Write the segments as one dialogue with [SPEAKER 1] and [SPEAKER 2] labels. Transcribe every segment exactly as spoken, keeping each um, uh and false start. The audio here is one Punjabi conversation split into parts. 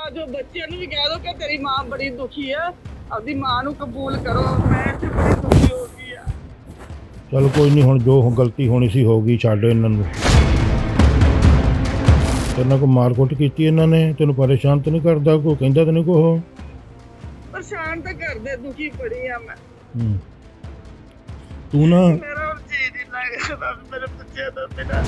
[SPEAKER 1] जो बच्चे भी कह दो कि तेरी मां बड़ी दुखी है, अपनी मां नू कबूल करो। मैं इत्थे बड़ी दुखी हो गई है।
[SPEAKER 2] चल कोई नहीं, हुण जो गलती होनी सी हो गई, छड्ड इन्हां नूं। तेरे को मार कुट कीती इन्हां ने, तैनूं परेशान तो नहीं करदा, कोई कहंदा तो नहीं कुछ?
[SPEAKER 1] परेशान तो कर दे, दुखी बड़ी है मैं।
[SPEAKER 2] हूं तू ना
[SPEAKER 1] मेरा हुण जी नहीं लगदा मेरे बच्चे तो बिना।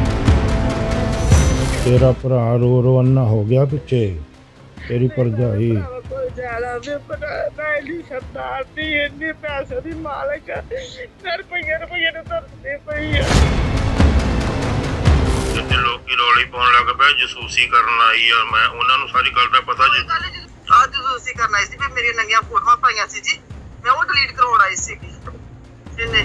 [SPEAKER 2] तेरा भरा रो रो अन्ना हो गया पिछे, तेरी भरजाई।
[SPEAKER 1] कोई ज्यादा भी पता मैं नहीं सरदार दी इन्नी पैसे दी मालिक मैं रुपये रुपये ने तरसदी पई है।
[SPEAKER 2] जिथे लोग रौली पाउण लग पे, जसूसी करन आई आ, मैं उन्हां नूं सारी गल दा पता जी।
[SPEAKER 1] आज जसूसी करन आई सी भी मेरी नंगियां फोटोआं पाईयां सी जी, मैं वो डिलीट करवाउण आई सीगी इन्ने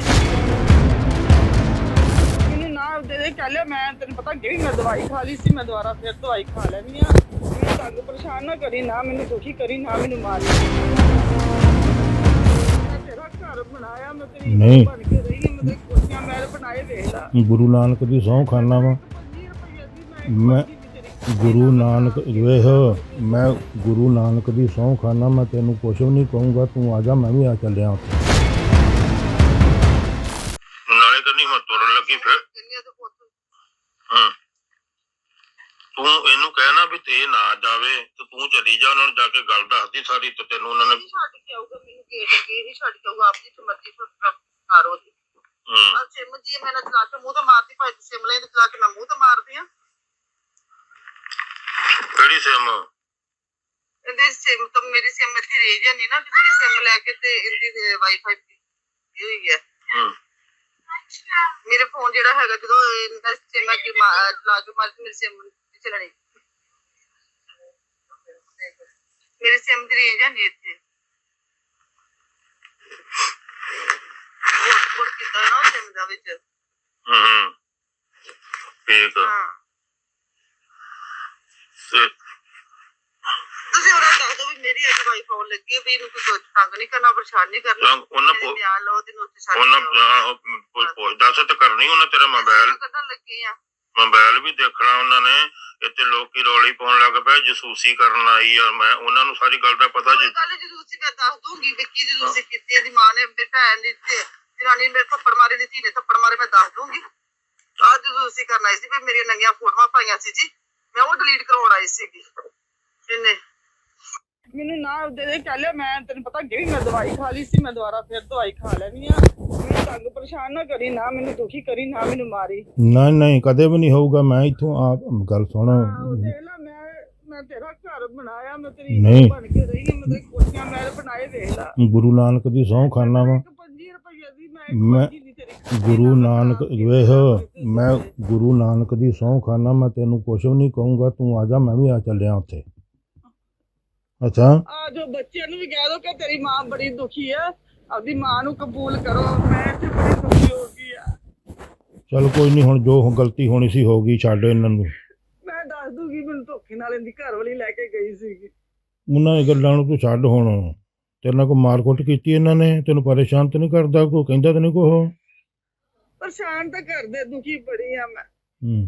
[SPEAKER 1] मैनूं ना दे दे कह लिया। मैं तेन पता कि मैं दवाई खा ली सी, मैं दोबारा फिर दवाई खा लैनी आ। मैनूं तंग परेशान ना करी, ना मैनूं दुखी करी, ना मैनूं मारी। मैं तेरा घर बनाया, मैं तेरी
[SPEAKER 2] नहीं।
[SPEAKER 1] बन के रही मैं तेरी कोठियां महल बनाए वेख ला।
[SPEAKER 2] गुरु नानक दी सौं खाना वा मैं, गुरु नानक वेख, मैं गुरु नानक दी सौं खाना, मैं तेनू कुछ भी नहीं कहूँगा, तू आ जा, मैं भी आ चलिया उत्थे। नाले करनी मैं तुरन लगी फिर हां तू इनू कहना भी ते ना जावे तो तू चली जा, उन्होंने जाके गल दसदी सारी, तो तेनू उन्होंने छड्ड के आऊगा, मैनू गेट अगे ही छड्ड के आऊगा, आप जिथे मर्जी मारो दी। हां सिम जी मैं ना चला के मुंह ते मारदी, भाई सिम ले चला के मैं मुंह ते मारदी हां। ਕਿਹੜੀ ਸਿਮ? ਇਹਦੀ ਸਿਮ ਤਾਂ ਮੇਰੀ ਸਿਮ ਇੱਥੇ ਰਹਿ ਜਾਨੀ ਨਾ, ਕਿਸੇ ਦੀ ਸਿਮ ਲੈ ਕੇ ਤੇ ਇਹਦੀ ਵਾਈਫਾਈ ਦੀ ਹੋਈ ਹੈ। ਹੂੰ ਮੇਰੇ ਫੋਨ ਜਿਹੜਾ ਹੈਗਾ, ਜਦੋਂ ਇਹਦਾ ਸਿਮ ਆ ਕਿ ਲਾ ਕੇ ਮਾਰ ਮੇਰੀ ਸਿਮ ਚਲਣੀ, ਮੇਰੀ ਸਿਮ ਦੀ ਰੇਂਜ ਹੈ ਨਹੀਂ ਇੱਥੇ। ਹੌਟਸਪੌਟ ਕੀਤਾ ਨਾ ਸਿਮ ਦਾ ਵਿੱਚ। ਹੂੰ ਹੂੰ ਠੀਕ ਆ। ਤੁਸੀਂ ਉਹਨਾਂ ਦੱਸ ਦਿਓ ਵੀ ਮੇਰੀ ਅੱਜ ਵਾਈਫਾਈ ਆਉਣ ਲੱਗੀ ਵੀ ਇਹਨੂੰ ਕੋਈ ਤੰਗ ਨਹੀਂ ਕਰਨਾ, ਪਰੇਸ਼ਾਨ ਨਹੀਂ ਕਰਨਾ। ਉਹਨਾਂ ਕੋ ਬਿਆਨ ਲਓ ਤੇ ਨੋਟਿਸ ਆ ਉਹਨਾਂ ਪੁੱਛ ਦੱਸ ਤੇ ਕਰਨੀ ਉਹਨਾਂ ਤੇਰਾ ਮੋਬਾਈਲ ਕੱਢਣ ਲੱਗੇ ਆ, ਮੋਬਾਈਲ ਵੀ ਦੇਖਣਾ ਉਹਨਾਂ ਨੇ। ਇੱਥੇ ਲੋਕੀ ਰੌਲੀ ਪਾਉਣ ਲੱਗ ਪਏ, ਜਸੂਸੀ ਕਰਨ ਆਈ ਆ, ਮੈਂ ਉਹਨਾਂ ਨੂੰ ਸਾਰੀ ਗੱਲ ਦਾ ਪਤਾ ਜੀ। ਗੱਲ ਜਸੂਸੀ ਮੈਂ ਦੱਸ ਦੂੰਗੀ ਵੀ ਕੀ ਜਸੂਸੀ ਕੀਤੀ, ਇਹਦੀ ਮਾਂ ਨੇ ਤੇ ਭੈਣ ਨੇ ਤੇ ਜਨਾਨੀ ਨੇ ਥੱਪੜ ਮਾਰੇ, ਦੀ ਧੀ ਨੇ ਥੱਪੜ ਮਾਰੇ, ਮੈਂ ਦੱਸ ਦੂੰਗੀ। ਆਹ ਜਸੂਸੀ ਕਰਨ ਆਈ ਸੀ ਵੀ ਮੇਰੀਆਂ ਨੰਗੀਆਂ ਫੋਟੋਆਂ ਪਾਈਆਂ ਸੀ ਜੀ, ਮੈਂ ਉਹ ਡਿਲੀਟ ਕਰਵਾਉਣ ਆਈ ਸੀਗੀ ਇਹਨੇ ਮੈਨੂੰ ਨਾ ਦੇ ਦੇ ਕਹ ਲਿਆ। ਮੈਂ ਤੈਨੂੰ ਪਤਾ ਕਿ ਮੈਂ ਦਵਾਈ ਖਾ ਲਈ ਸੀ, ਮੈਂ ਦੁਬਾਰਾ ਫਿਰ ਦਵਾਈ ਖਾ ਲੈਣੀ ਆ। ਮੈਨੂੰ ਤੰਗ ਪਰੇਸ਼ਾਨ ਨਾ ਕਰੀ, ਨਾ ਮੈਨੂੰ ਦੁਖੀ ਕਰੀ, ਨਾ ਮੈਨੂੰ ਮਾਰੀ। ਨਹੀਂ ਨਹੀਂ ਕਦੇ ਵੀ ਨਹੀਂ ਹੋਊਗਾ। ਮੈਂ ਇੱਥੋਂ ਆ ਗੱਲ ਸੁਣ, ਦੇਖ ਲੈ ਮੈਂ ਮੈਂ ਤੇਰਾ ਘਰ ਬਣਾਇਆ, ਮੈਂ ਤੇਰੀ ਬਣ ਕੇ ਰਹੀ ਹਾਂ, ਮੈਂ ਤੇਰੀ ਕੋਠੀਆਂ ਮਹਿਲ ਬਣਾਏ ਵੇਖ ਲਾ। ਗੁਰੂ ਨਾਨਕ ਦੀ ਸਹੁੰ ਖਾਨਾ ਵਾ ਮੈਂ, ਗੁਰੂ ਨਾਨਕ ਵੇਖ, ਮੈਂ ਗੁਰੂ ਨਾਨਕ ਦੀ ਸਹੁੰ ਖਾਨਾ, ਮੈਂ ਤੈਨੂੰ ਕੁਛ ਵੀ ਨਹੀਂ ਕਹੂੰਗਾ, ਤੂੰ ਆ ਜਾ, ਮੈਂ ਵੀ ਆ ਚੱਲਿਆ ਉੱਥੇ। ਅੱਛਾ ਆ ਜੋ ਬੱਚਿਆਂ ਨੂੰ ਵੀ ਕਹਿ ਦੋ ਕਿ ਤੇਰੀ ਮਾਂ ਬੜੀ ਦੁਖੀ ਹੈ, ਆਪਦੀ ਮਾਂ ਨੂੰ ਕਬੂਲ ਕਰੋ। ਮੈਂ ਇੱਥੇ ਬੜੀ ਦੁਖੀ ਹੋ ਗਈ ਆ। ਚਲ ਕੋਈ ਨਹੀਂ, ਹੁਣ ਜੋ ਗਲਤੀ ਹੋਣੀ ਸੀ ਹੋ ਗਈ, ਛੱਡ ਇਹਨਾਂ ਨੂੰ। ਮੈਂ ਦੱਸ ਦੂੰਗੀ, ਮੈਨੂੰ ਧੋਖੇ ਨਾਲ ਇਹਦੀ ਘਰ ਵਾਲੀ ਲੈ ਕੇ ਗਈ ਸੀਗੀ। ਉਹਨਾਂ ਦੀ ਗੱਲਾਂ ਨੂੰ ਤੂੰ ਛੱਡ ਹੁਣ। ਤੇਰੇ ਨਾਲ ਕੋਈ ਮਾਰ ਕੁੱਟ ਕੀਤੀ ਇਹਨਾਂ ਨੇ, ਤੈਨੂੰ ਪਰੇਸ਼ਾਨ ਤਾਂ ਨਹੀਂ ਕਰਦਾ, ਕੋਈ ਕਹਿੰਦਾ ਤਾਂ ਨਹੀਂ ਕੁਛ? ਪਰੇਸ਼ਾਨ ਤਾਂ ਕਰਦੇ, ਦੁਖੀ ਬੜੀ ਆ ਮੈਂ। ਹੂੰ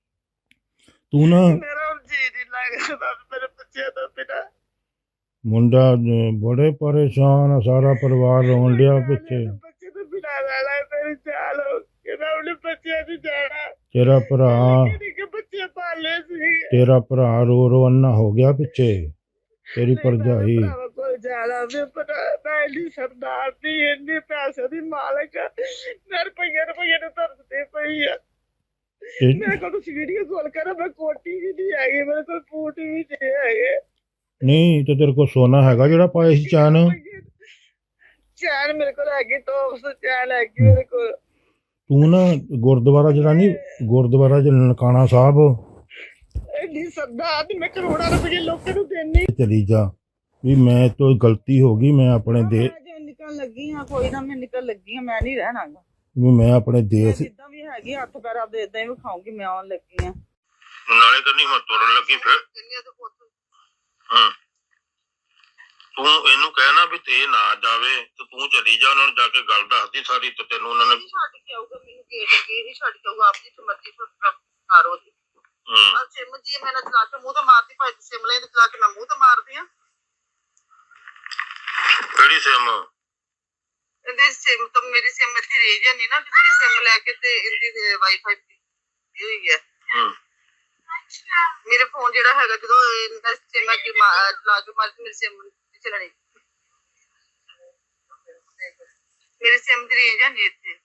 [SPEAKER 2] ਤੂੰ ਨਾ ਮੇਰਾ ਜੀ ਨਹੀਂ ਲੱਗਦਾ ਮੇਰੇ ਬੱਚਿਆਂ ਤੋਂ ਬਿਨਾਂ। ਮੁੰਡਾ ਬੜੇ ਪਰੇਸ਼ਾਨ ਆ, ਸਾਰਾ ਪਰਿਵਾਰ ਰੋਣ ਡਿਆ ਪਿੱਛੇ। ਬੱਚੇ ਤੋਂ ਬਿਨਾਂ ਰਹਿਣਾ ਮੇਰੀ ਚਾਲ ਹੋ ਕਿ ਮੈਂ ਆਪਣੇ ਬੱਚਿਆਂ ਦੀ ਜਾਣਾ। ਤੇਰਾ ਭਰਾ ਬੱਚੇ ਪਾਲੇ ਸੀ, ਤੇਰਾ ਭਰਾ ਰੋ ਰੋ ਅੰਨਾ ਹੋ ਗਿਆ ਪਿੱਛੇ, ਤੇਰੀ ਭਰਜਾਈ। ਕੋਈ ਜ਼ਿਆਦਾ ਵੀ ਪਤਾ ਮੈਂ ਇੰਨੀ ਸਰਦਾਰ ਦੀ ਇੰਨੀ ਪੈਸੇ ਦੀ ਮਾਲਕ ਮੈਂ ਰੁਪਈਏ ਰੁਪਈਏ ਨੂੰ ਤਰਸਦੀ ਪਈ ਆ। ਮੇਰੇ ਕੋਲ ਤੁਸੀਂ ਵੀਡੀਓ ਕਾਲ ਕਰੋ, ਮੈਂ ਕੋਟੀ ਵੀ ਨਹੀਂ ਹੈਗੀ, ਮੇਰੇ ਕੋਲ ਬੂਟ ਵੀ ਨਹੀਂ ਹੈਗੇ। ਨਹੀਂ ਤੇ ਤੇਰੇ ਕੋਲ ਸੋਨਾ ਹੈਗਾ ਜਿਹੜਾ ਪਾਇਆ ਸੀ ਚੈਨ? ਚੈਨ ਮੇਰੇ ਕੋਲ ਹੈਗੀ, ਟੋਪਸ ਚੈਨ ਹੈਗੀ ਮੇਰੇ ਕੋਲ। ਤੂੰ ਨਾ ਗੁਰਦੁਆਰਾ ਜਿਹੜਾ ਨਹੀਂ, ਗੁਰਦੁਆਰਾ ਜਿਹੜਾ ਨਨਕਾਣਾ ਸਾਹਿਬ, ਇੰਨੀ ਸਰਦਾਰ ਦੀ ਮੈਂ ਕਰੋੜਾਂ ਰੁਪਏ ਲੋਕਾਂ ਨੂੰ ਦੇਣੀ। ਚਲੀ ਜਾ ਵੀ ਮੈਂ ਤੋਂ ਗਲਤੀ ਹੋ ਗਈ, ਮੈਂ ਆਪਣੇ ਦੇ ਨਿਕਲ ਲੱਗੀ ਹਾਂ, ਕੋਈ ਨਾ ਮੈਂ ਨਿਕਲ ਲੱਗੀ ਹਾਂ, ਮੈਂ ਨਹੀਂ ਰਹਿਣਾ ਵੀ ਮੈਂ ਆਪਣੇ ਦੇਸ਼ ਜਿੱਦਾਂ ਵੀ ਹੈਗੀ ਹੱਥ ਪੈਰ ਆਪਦੇ ਇਦਾਂ ਹੀ ਵਿਖਾਉਂਗੀ, ਮੈਂ ਆਉਣ ਲੱਗੀ ਹਾਂ। ਨਾਲੇ ਕਰਨੀ ਮੈਂ ਤੁਰਨ ਲੱਗੀ ਫਿਰ ਹਾਂ ਤੂੰ ਇਹਨੂੰ ਕਹਿਣਾ ਵੀ ਤੇ ਨਾ ਜਾਵੇ ਤੇ ਤੂੰ ਚਲੀ ਜਾ, ਉਹਨਾਂ ਨੂੰ ਜਾ ਕੇ ਗੱਲ ਦੱਸਦੀ ਸਾਰੀ, ਤੇ ਤੈਨੂੰ ਉਹਨਾਂ ਨੇ ਛੱਡ ਕੇ ਆਊਗਾ, ਮੈਨੂੰ ਗੇਟ ਅੱਗੇ ਹੀ ਛੱਡ ਕੇ ਆਊਗਾ, ਆਪ ਜਿੱਥੇ ਮਰਜ਼ੀ ਮਾਰੋ ਦੀ। ਆ ਸਿਮ ਜੀ ਮੈਂ ਨਾ ਚਲਾ ਕੇ ਮੂੰਹ ਤੇ ਮਾਰਦੀ, ਭਾਈ ਤੂੰ ਸਿਮ ਲੈ ਤੇ ਚਲਾ ਕੇ ਮੈਂ ਮੂੰਹ ਤੇ ਮਾਰਦੀ ਆ। ਕਿਹੜੀ ਸਿਮ? ਇਹਦੀ ਸਿਮ ਤਾਂ ਮੇਰੀ ਸਿਮ ਇੱਥੇ ਰਹਿ ਜਾਂਦੀ ਨਾ, ਕਿਸੇ ਦੀ ਸਿਮ ਲੈ ਕੇ ਤੇ ਇਹਦੀ ਵਾਈਫਾਈ ਦੀ ਹੋਈ ਹੈ। ਮੇਰੇ ਫੋਨ ਜਿਹੜਾ ਹੈਗਾ ਜਦੋਂ ਇਹਦਾ ਸਿਮ ਹੈ ਕਿ ਚਲਾ ਕੇ ਮਾਰ ਮੇਰੀ ਸਿਮ ਨਹੀਂ ਚੱਲਣੀ, ਮੇਰੀ ਸਿਮ ਦੀ ਰਹਿ ਜਾਂਦੀ ਇੱਥੇ।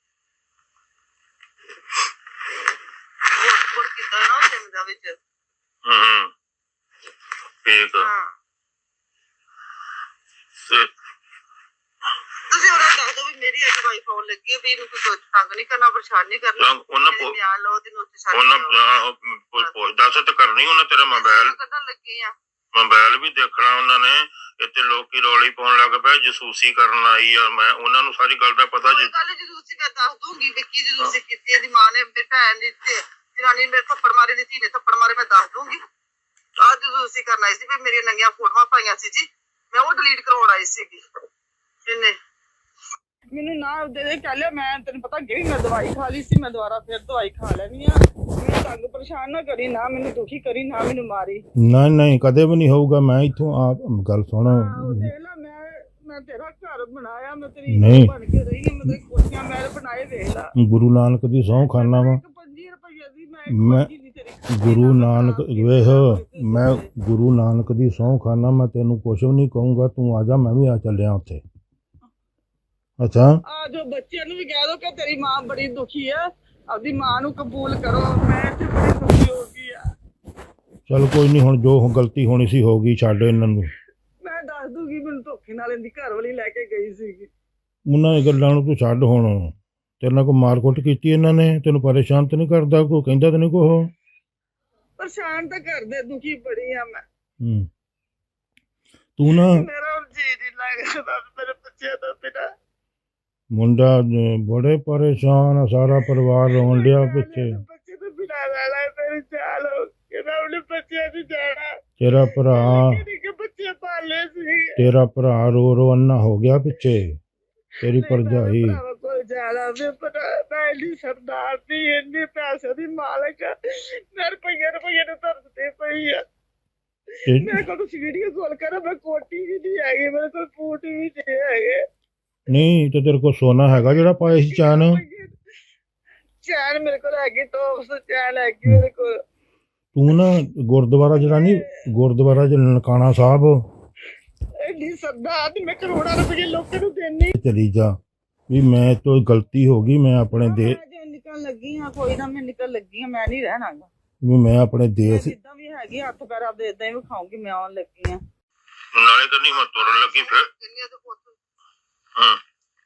[SPEAKER 2] ਹੌਟਸਪੌਟ ਕੀਤਾ ਨਾ ਸਿਮ ਦਾ ਵਿੱਚ। ਹੂੰ ਠੀਕ ਆ। ਤੁਸੀਂ ਉਹਨਾਂ ਦੱਸ ਦਿਓ ਵੀ ਮੇਰੀ ਅੱਜ ਵਾਈਫ ਆਉਣ ਲੱਗੀ ਹੈ, ਵੀ ਇਹਨੂੰ ਕੋਈ ਤੰਗ ਨਹੀਂ ਕਰਨਾ, ਪਰੇਸ਼ਾਨ ਨਹੀਂ ਕਰਨਾ। ਉਹਨਾਂ ਬਿਆਨ ਲਓ ਤੇ ਨੋਟਿਸ ਛੱਡ ਦਿਓ। ਦੱਸ ਤੇ ਕਰਨੀ ਉਹਨਾਂ ਤੇਰਾ ਮੋਬਾਈਲ ਕੱਢਣ ਲੱਗੇ ਆ, ਮੋਬਾਈਲ ਵੀ ਦੇਖਣਾ ਉਹਨਾਂ ਨੇ। ਇੱਥੇ ਲੋਕੀ ਰੌਲੀ ਪਾਉਣ ਲੱਗ ਪਏ, ਜਸੂਸੀ ਕਰਨ ਆਈ ਆ। ਮੈਂ ਉਹਨਾਂ ਨੂੰ ਸਾਰੀ ਗੱਲ ਦਾ ਪਤਾ ਜੀ। ਗੱਲ ਜਸੂਸੀ ਮੈਂ ਦੱਸ ਦੂੰਗੀ ਵੀ ਕੀ ਜਸੂਸੀ ਕੀਤੀ। ਇਹਦੀ ਮਾਂ ਨੇ, ਮੇਰੀ ਭੈਣ ਨੇ ਤੇ ਜਨਾਨੀ ਮੇਰੇ ਥੱਪੜ ਮਾਰੇ, ਦੀ ਧੀ ਨੇ ਥੱਪੜ ਮਾਰੇ, ਮੈਂ ਦੱਸ ਦੂੰਗੀ। ਆਹ ਜਸੂਸੀ ਕਰਨ ਆਈ ਸੀ ਵੀ ਮੇਰੀਆਂ ਨੰਗੀਆਂ ਫੋਟੋਆਂ ਪਾਈਆਂ ਸੀ ਜੀ, ਮੈਂ ਉਹ ਡਿਲੀਟ ਕਰਵਾਉਣ ਆਈ ਸੀਗੀ। ਇਹਨੇ ਮੈਨੂੰ ਨਾ ਦੇ ਦੇ ਕਹਿ ਲਿਆ, ਮੈਂ ਤੈਨੂੰ ਪਤਾ ਅੱਗੇ ਮੈਂ ਦਵਾਈ ਖਾ ਲਈ ਸੀ, ਮੈਂ ਦੁਬਾਰਾ ਫਿਰ ਦਵਾਈ ਖਾ ਲੈਣੀ ਆ। ਮੈਨੂੰ ਤੰਗ ਪਰੇਸ਼ਾਨ ਨਾ ਕਰੀ, ਨਾ ਮੈਨੂੰ ਦੁਖੀ ਕਰੀ, ਨਾ ਮੈਨੂੰ ਮਾਰੀ।
[SPEAKER 3] ਨਹੀਂ ਨਹੀਂ ਕਦੇ ਵੀ ਨਹੀਂ ਹੋਊਗਾ। ਮੈਂ ਇੱਥੋਂ ਆਪ ਗੱਲ ਸੁਣ,
[SPEAKER 1] ਦੇਖ ਲੈ ਮੈਂ ਮੈਂ ਤੇਰਾ ਘਰ ਬਣਾਇਆ, ਮੈਂ ਤੇਰੀ ਬਣ ਕੇ ਰਹੀ ਹਾਂ, ਮੈਂ ਤੇਰੀ ਕੋਠੀਆਂ ਮਹਿਲ ਬਣਾਏ, ਵੇਖ ਲੈ।
[SPEAKER 3] ਗੁਰੂ ਨਾਨਕ ਦੀ ਸਹੁੰ ਖਾਨਾ ਵਾ
[SPEAKER 1] ਪੰਜੀ ਰੁਪਏ ਦੀ
[SPEAKER 3] ਮੈਂ, ਗੁਰੂ ਨਾਨਕ ਵੇਖ, ਮੈਂ ਗੁਰੂ ਨਾਨਕ ਦੀ ਸਹੁੰ ਖਾਨਾ, ਮੈਂ ਤੈਨੂੰ ਕੁਛ ਵੀ ਨਹੀਂ ਕਹੂੰਗਾ। ਤੂੰ ਆ ਜਾ, ਮੈਂ ਵੀ ਆ ਚੱਲਿਆ ਉੱਥੇ। ਅੱਛਾ
[SPEAKER 1] ਆ ਜੋ ਬੱਚਿਆਂ ਨੂੰ ਵੀ ਕਹਿ ਦੋ ਕਿ ਤੇਰੀ ਮਾਂ ਬੜੀ ਦੁਖੀ ਹੈ, ਆਪਦੀ ਮਾਂ ਨੂੰ ਕਬੂਲ ਕਰੋ। ਮੈਂ ਤੇ ਬੜੀ ਦੁਖੀ ਹੋ ਗਈ ਆ।
[SPEAKER 3] ਚਲ ਕੋਈ ਨਹੀਂ, ਹੁਣ ਜੋ ਗਲਤੀ ਹੋਣੀ ਸੀ ਹੋ ਗਈ, ਛੱਡ ਇਹਨਾਂ ਨੂੰ।
[SPEAKER 1] ਮੈਂ ਦੱਸ ਦੂਗੀ, ਮੈਨੂੰ ਧੋਖੇ ਨਾਲ ਇਹਦੀ ਘਰ ਵਾਲੀ ਲੈ ਕੇ ਗਈ ਸੀਗੀ।
[SPEAKER 3] ਉਹਨਾਂ ਦੀ ਗੱਲਾਂ ਨੂੰ ਤੂੰ ਛੱਡ। ਹੁਣ ਤੇਰੇ ਨਾਲ ਕੋਈ ਮਾਰਕੁੱਟ ਕੀਤੀ ਇਹਨਾਂ ਨੇ? ਤੈਨੂੰ ਪਰੇਸ਼ਾਨ ਤਾਂ ਨਹੀਂ ਕਰਦਾ? ਕੋਈ ਕਹਿੰਦਾ ਤਾਂ ਨਹੀਂ ਕੁਛ?
[SPEAKER 1] ਪਰੇਸ਼ਾਨ ਤਾਂ ਕਰਦੇ, ਦੁਖੀ ਬੜੀ ਆ ਮੈਂ।
[SPEAKER 3] ਹੂੰ ਤੂੰ ਨਾ,
[SPEAKER 1] ਮੇਰਾ ਜੀ ਨਹੀਂ ਲੱਗਦਾ ਮੇਰੇ ਬੱਚਿਆਂ ਦਾ ਬਿਨਾਂ।
[SPEAKER 3] ਮੁੰਡਾ ਬੜੇ ਪਰੇਸ਼ਾਨ ਆ, ਸਾਰਾ ਪਰਿਵਾਰ ਰੋਣ ਡਿਆ ਪਿੱਛੇ।
[SPEAKER 1] ਬੱਚੇ ਤੋਂ ਬਿਨਾਂ ਰਹਿਣਾ ਮੇਰੇ ਚਾਲ ਹੋ ਕਿਹਦਾ ਉਹਨੇ ਬੱਚਿਆਂ ਦੀ ਜਾਣਾ।
[SPEAKER 3] ਤੇਰਾ ਭਰਾ,
[SPEAKER 1] ਬੱਚੇ ਪਾਲੇ ਸੀ,
[SPEAKER 3] ਤੇਰਾ ਭਰਾ ਰੋ ਰੋ ਅੰਨਾ ਹੋ ਗਿਆ ਪਿੱਛੇ। ਤੇਰੀ ਭਰਜਾਈ
[SPEAKER 1] ਕੋਲ ਜਾਣਾ ਮੈਂ ਇੰਨੀ ਸਰਦਾਰ ਦੀ, ਇੰਨੀ ਪੈਸੇ ਦੀ ਮਾਲਕ, ਮੈਂ ਰੁਪਈਏ ਰੁਪਈਏ ਨੂੰ ਤਰਸਦੀ ਪਈ ਆ। ਮੇਰੇ ਕੋਲ ਤੁਸੀਂ ਵੀਡੀਓ ਕਾਲ ਕਰੋ, ਮੈਂ ਕੋਟੀ ਵੀ ਨਹੀਂ ਹੈਗੀ, ਮੇਰੇ ਕੋਲ ਬੂਟ ਵੀ ਨਹੀਂ ਹੈਗੇ।
[SPEAKER 3] ਨਹੀਂ ਤੇ ਤੇਰੇ ਕੋਲ ਸੋਨਾ ਹੈਗਾ ਜਿਹੜਾ ਪਾਇਆ ਸੀ ਚੈਨ?
[SPEAKER 1] ਚੈਨ ਮੇਰੇ ਕੋਲ ਹੈਗੀ, ਟੋਪਸ ਚੈਨ ਹੈਗੀ ਮੇਰੇ ਕੋਲ।
[SPEAKER 3] ਤੂੰ ਨਾ ਗੁਰਦੁਆਰਾ ਜਿਹੜਾ ਨਹੀਂ, ਗੁਰਦੁਆਰਾ ਜਿਹੜਾ ਨਨਕਾਣਾ ਸਾਹਿਬ,
[SPEAKER 1] ਇੰਨੀ ਸਰਦਾਰ ਦੀ, ਮੈਂ ਕਰੋੜਾਂ ਰੁਪਏ ਲੋਕਾਂ ਨੂੰ ਦੇਣੀ।
[SPEAKER 3] ਚਲੀ ਜਾ ਵੀ ਮੈਂ ਤੋਂ ਗਲਤੀ ਹੋ ਗਈ, ਮੈਂ ਆਪਣੇ ਦੇ
[SPEAKER 1] ਨਿਕਲ ਲੱਗੀ ਆ, ਕੋਈ ਨਾ, ਮੈਂ ਨਿਕਲ ਲੱਗੀ ਆ, ਮੈਂ ਨਹੀਂ ਰਹਿਣਾ
[SPEAKER 3] ਵੀ ਮੈਂ ਆਪਣੇ ਦੇਸ਼
[SPEAKER 1] ਜਿੱਦਾਂ ਵੀ ਹੈਗੀ ਹੱਥ ਪੈਰ ਆਪਦੇ ਇਦਾਂ ਹੀ ਵਿਖਾਉਂਗੀ। ਮੈਂ ਆਉਣ ਲੱਗੀ ਆ
[SPEAKER 2] ਨਾਲੇ ਤਾਂ ਨਹੀਂ ਮੈਂ ਤੁਰਨ ਲੱਗੀ ਫਿਰ। ਹਾਂ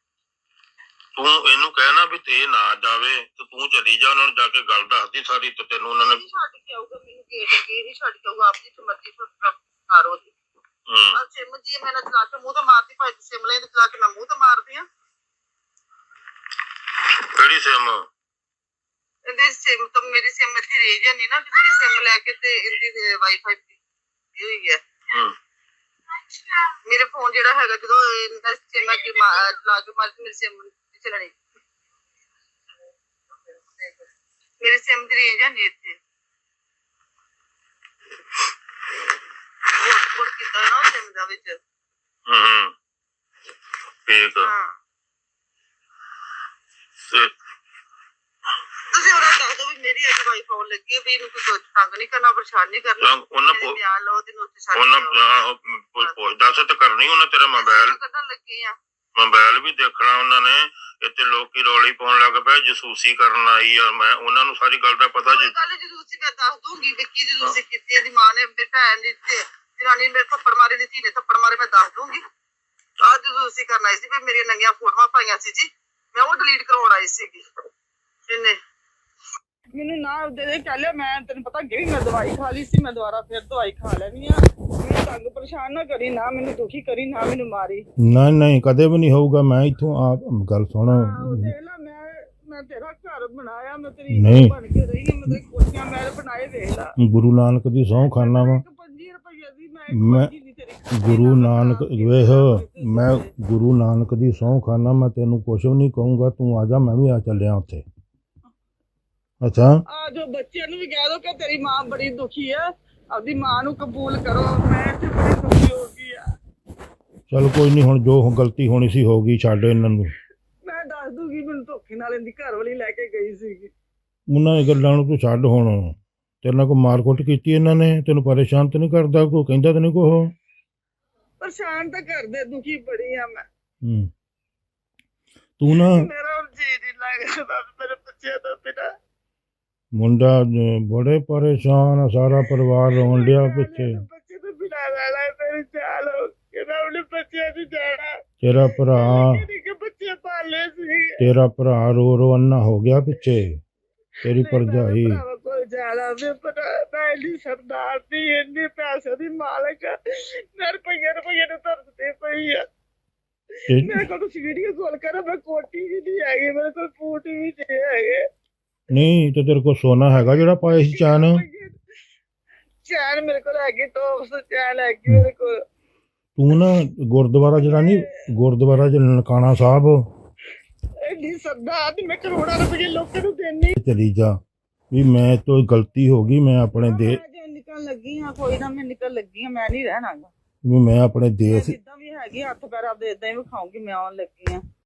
[SPEAKER 2] ਤੂੰ ਇਹਨੂੰ ਕਹਿਣਾ ਵੀ ਤੇ ਨਾ ਜਾਵੇ ਤੇ ਤੂੰ ਚਲੀ ਜਾ, ਉਹਨਾਂ ਨੂੰ ਜਾ ਕੇ ਗੱਲ ਦੱਸਦੀ ਸਾਰੀ, ਤੇ ਤੈਨੂੰ ਉਹਨਾਂ ਨੇ ਛੱਡ ਕੇ ਆਊਗਾ। ਮੈਨੂੰ ਗੇਟ ਅੱਗੇ ਨਹੀਂ ਛੱਡ ਕੇ ਆਊਗਾ, ਆਪਣੀ ਮਰਜ਼ੀ ਕਰੋ ਦੀ। ਹਾਂ ਸਿਮ ਜੀ ਮੈਂ ਨਾ ਚਲਾ ਕੇ ਮੂੰਹ ਤੇ ਮਾਰਦੀ, ਭਾਈ ਤੂੰ ਸਿਮ ਲੈ ਤੇ ਚਲਾ ਕੇ ਮੈਂ ਮੂੰਹ ਤੇ ਮਾਰਦੀ ਆ। ਕਿਹੜੀ ਸਿਮ? ਇਹਦੀ ਸਿਮ ਤਾਂ ਮੇਰੀ ਸਿਮ ਇੱਥੇ ਰਹਿ ਜਾਂਦੀ ਨਾ, ਕਿਸੇ ਦੀ ਸਿਮ ਲੈ ਕੇ ਤੇ ਇਹਦੀ ਵਾਈਫਾਈ ਦੀ ਹੋਈ ਹੈ। ਮੇਰੇ ਫੋਨ ਜਿਹੜਾ ਹੈਗਾ ਜਦੋਂ ਇਹਦਾ ਸਿਮ ਹੈ ਕਿ ਚਲਾ ਕੇ ਮਾਰ ਮੇਰੀ ਸਿਮ ਨਹੀਂ ਚੱਲਣੀ, ਮੇਰੀ ਸਿਮ ਦੀ ਰਹਿ ਜਾਂਦੀ ਇੱਥੇ। ਹੌਟਸਪੌਟ ਕੀਤਾ ਨਾ ਸਿਮ ਦਾ ਵਿੱਚ। ਹੂੰ ਠੀਕ ਆ। ਤੁਸੀਂ ਉਹਨਾਂ ਦੱਸ ਦਿਓ ਵੀ ਮੇਰੀ ਅੱਜ ਵਾਈਫ ਆਉਣ ਲੱਗੀ ਹੈ, ਵੀ ਇਹਨੂੰ ਕੋਈ ਤੰਗ ਨਹੀਂ ਕਰਨਾ, ਪਰੇਸ਼ਾਨ ਨਹੀਂ ਕਰਨਾ। ਉਹਨਾਂ ਬਿਆਨ ਲਓ ਤੇ ਨੋਟਿਸ ਛੱਡ ਦਿਓ। ਦੱਸ ਤੇ ਕਰਨੀ ਉਹਨਾਂ ਤੇਰਾ ਮੋਬਾਈਲ ਕੱਢਣ ਲੱਗੇ ਆ, ਮੋਬਾਈਲ ਵੀ ਦੇਖਣਾ ਉਹਨਾਂ ਨੇ। ਇੱਥੇ ਲੋਕੀ ਰੌਲੀ ਪਾਉਣ ਲੱਗ ਪਏ, ਜਸੂਸੀ ਕਰਨ ਆਈ ਆ। ਮੈਂ ਉਹਨਾਂ ਨੂੰ ਸਾਰੀ ਗੱਲ ਦਾ ਪਤਾ ਜੀ। ਗੱਲ ਜਸੂਸੀ ਮੈਂ ਦੱਸ ਦੂੰਗੀ ਵੀ ਕੀ ਜਸੂਸੀ ਕੀਤੀ। ਇਹਦੀ ਮਾਂ ਨੇ, ਮੇਰੀ ਭੈਣ ਨੇ ਤੇ ਜਨਾਨੀ ਮੇਰੇ ਥੱਪੜ ਮਾਰੇ, ਦੀ ਧੀ ਨੇ ਥੱਪੜ ਮਾਰੇ, ਮੈਂ ਦੱਸ ਦੂੰਗੀ। ਆਹ ਜਸੂਸੀ ਕਰਨ ਆਈ ਸੀ ਵੀ ਮੇਰੀਆਂ ਨੰਗੀਆਂ ਫੋਟੋਆਂ ਪਾਈਆਂ ਸੀ ਜੀ, ਮੈਂ ਉਹ ਡਿਲੀਟ ਕਰਵਾਉਣ ਆਈ ਸੀਗੀ। ਇਹਨੇ ਮੈਨੂੰ ਨਾ ਦੇ ਦੇ ਕਹਿ ਲਿਆ, ਮੈਂ ਤੈਨੂੰ ਪਤਾ ਅੱਗੇ ਮੈਂ ਦਵਾਈ ਖਾ ਲਈ ਸੀ, ਮੈਂ ਦੁਬਾਰਾ ਫਿਰ ਦਵਾਈ ਖਾ ਲੈਣੀ ਆ। ਮੈਨੂੰ ਤੰਗ ਪਰੇਸ਼ਾਨ ਨਾ ਕਰੀ, ਨਾ ਮੈਨੂੰ ਦੁਖੀ ਕਰੀ, ਨਾ ਮੈਨੂੰ ਮਾਰੀ।
[SPEAKER 3] ਨਹੀਂ ਨਹੀਂ ਕਦੇ ਵੀ ਨਹੀਂ ਹੋਊਗਾ। ਮੈਂ ਇੱਥੋਂ ਆਪ ਗੱਲ ਸੁਣ,
[SPEAKER 1] ਦੇਖ ਲੈ ਮੈਂ ਮੈਂ ਤੇਰਾ ਘਰ ਬਣਾਇਆ, ਮੈਂ ਤੇਰੀ ਬਣ ਕੇ ਰਹੀ ਹਾਂ, ਮੈਂ ਤੇਰੀ ਕੋਠੀਆਂ ਮਹਿਲ ਬਣਾਏ, ਵੇਖ ਲੈ।
[SPEAKER 3] ਗੁਰੂ ਨਾਨਕ ਦੀ ਸਹੁੰ ਖਾਨਾ ਵਾ
[SPEAKER 1] ਪੰਜੀ ਰੁਪਏ ਦੀ
[SPEAKER 3] ਮੈਂ, ਗੁਰੂ ਨਾਨਕ ਵੇਖ, ਮੈਂ ਗੁਰੂ ਨਾਨਕ ਦੀ ਸਹੁੰ ਖਾਨਾ, ਮੈਂ ਤੈਨੂੰ ਕੁਛ ਵੀ ਨਹੀਂ ਕਹੂੰਗਾ। ਤੂੰ ਆ ਜਾ, ਮੈਂ ਵੀ ਆ ਚੱਲਿਆ ਉੱਥੇ। ਅੱਛਾ
[SPEAKER 1] ਆ ਜੋ ਬੱਚਿਆਂ ਨੂੰ ਵੀ ਕਹਿ ਦੋ ਕਿ ਤੇਰੀ ਮਾਂ ਬੜੀ ਦੁਖੀ ਆ, ਆਪਦੀ ਮਾਂ ਨੂੰ ਕਬੂਲ ਕਰੋ। ਮੈਂ ਤੇ ਬੜੀ ਦੁਖੀ ਹੋ ਗਈ ਆ।
[SPEAKER 3] ਚਲ ਕੋਈ ਨਹੀਂ, ਹੁਣ ਜੋ ਗਲਤੀ ਹੋਣੀ ਸੀ ਹੋ ਗਈ, ਛੱਡ ਇਹਨਾਂ ਨੂੰ।
[SPEAKER 1] ਮੈਂ ਦੱਸ ਦੂਗੀ, ਮੈਨੂੰ ਧੋਖੇ ਨਾਲ ਇਹਦੀ ਘਰ ਵਾਲੀ ਲੈ ਕੇ ਗਈ ਸੀਗੀ।
[SPEAKER 3] ਉਹਨਾਂ ਦੀ ਗੱਲਾਂ ਨੂੰ ਤੂੰ ਛੱਡ ਹੁਣ। ਤੇਰੇ ਨਾਲ ਕੋਈ ਮਾਰਕੁੱਟ ਕੀਤੀ ਇਹਨਾਂ ਨੇ? ਤੈਨੂੰ ਪਰੇਸ਼ਾਨ ਤਾਂ ਨਹੀਂ ਕਰਦਾ? ਕੋਈ ਕਹਿੰਦਾ ਤਾਂ ਨਹੀਂ ਕੁਛ?
[SPEAKER 1] ਪਰੇਸ਼ਾਨ ਤਾਂ ਕਰਦੇ, ਦੁਖੀ ਬੜੀ ਆ ਮੈਂ।
[SPEAKER 3] ਹੂੰ ਤੂੰ ਨਾ
[SPEAKER 1] ਮੇਰਾ ਹੁਣ ਜੀ ਨਹੀਂ ਲੱਗਦਾ ਮੇਰੇ ਬੱਚਿਆਂ ਤੋਂ ਬਿਨਾਂ।
[SPEAKER 3] ਮੁੰਡਾ ਅਹ, ਬੜੇ ਪਰੇਸ਼ਾਨ ਆ, ਸਾਰਾ ਪਰਿਵਾਰ ਰੋਣ ਡਿਆ ਪਿੱਛੇ।
[SPEAKER 1] ਬੱਚੇ ਤੋਂ ਬਿਨਾਂ ਰਹਿਣਾ ਮੇਰੇ ਚਾਲ ਹੋ ਕੇ ਨਾ, ਆਪਣੇ ਬੱਚਿਆਂ ਦੀ ਜਾਣਾ।
[SPEAKER 3] ਤੇਰਾ ਭਰਾ
[SPEAKER 1] ਕਿ ਬੱਚੇ ਪਾਲੇ ਸੀ।
[SPEAKER 3] ਤੇਰਾ ਭਰਾ ਰੋ ਰੋ ਅੰਨਾ ਹੋ ਗਿਆ ਪਿੱਛੇ। ਤੇਰੀ ਭਰਜਾਈ
[SPEAKER 1] ਕੋਈ ਜਾਣਾ ਵੀ ਪਤਾ ਮੈਂ ਇੰਨੀ ਸਰਦਾਰ ਦੀ, ਇੰਨੀ ਪੈਸੇ ਦੀ ਮਾਲਕ ਆ, ਮੈਂ ਰੁਪਈਏ ਰੁਪਈਏ ਨੂੰ ਤਰਸਦੀ ਪਈ ਆ। ਮੇਰੇ ਕੋਲ ਤੁਸੀਂ ਵੀਡੀਓ ਕਾਲ ਕਰੋ, ਮੈਂ ਕੋਟੀ ਵੀ ਨਹੀਂ ਹੈਗੀ, ਮੇਰੇ ਕੋਲ ਬੂਟ ਵੀ ਨਹੀਂ ਹੈਗੇ।
[SPEAKER 3] ਨਹੀਂ ਤੇ ਤੇਰੇ ਕੋਲ ਸੋਨਾ ਹੈਗਾ ਜਿਹੜਾ ਪਾਇਆ ਸੀ ਚੈਨ?
[SPEAKER 1] ਚੈਨ ਮੇਰੇ ਕੋਲ ਹੈਗੀ, ਟੋਪਸ ਚੈਨ ਹੈਗੀ ਮੇਰੇ ਕੋਲ।
[SPEAKER 3] ਤੂੰ ਨਾ ਗੁਰਦੁਆਰਾ ਜਿਹੜਾ ਨਹੀਂ, ਗੁਰਦੁਆਰਾ ਜਿਹੜਾ ਨਨਕਾਣਾ ਸਾਹਿਬ,
[SPEAKER 1] ਇੰਨੀ ਸਰਦਾਰ ਦੀ, ਮੈਂ ਕਰੋੜਾਂ ਰੁਪਏ ਲੋਕਾਂ ਨੂੰ ਦੇਣੀ।
[SPEAKER 3] ਚਲੀ ਜਾ ਵੀ ਮੈਂ ਤੋਂ ਗਲਤੀ ਹੋ ਗਈ, ਮੈਂ ਆਪਣੇ ਦੇ
[SPEAKER 1] ਮੈਂ ਨਿਕਲ ਲੱਗੀ ਆ, ਕੋਈ ਨਾ, ਮੈਂ ਨਿਕਲ ਲੱਗੀ ਆ, ਮੈਂ ਨਹੀਂ ਰਹਿਣਾਗਾ।
[SPEAKER 3] ਵੀ ਮੈਂ ਆਪਣੇ ਦੇਸ਼
[SPEAKER 1] ਜਿੱਦਾਂ ਵੀ ਹੈਗੀ ਹੱਥ ਪੈਰ ਆਪਦੇ ਇਦਾਂ ਹੀ ਵਿਖਾਉਂਗੀ, ਮੈਂ ਆਉਣ ਲੱਗੀ ਆ।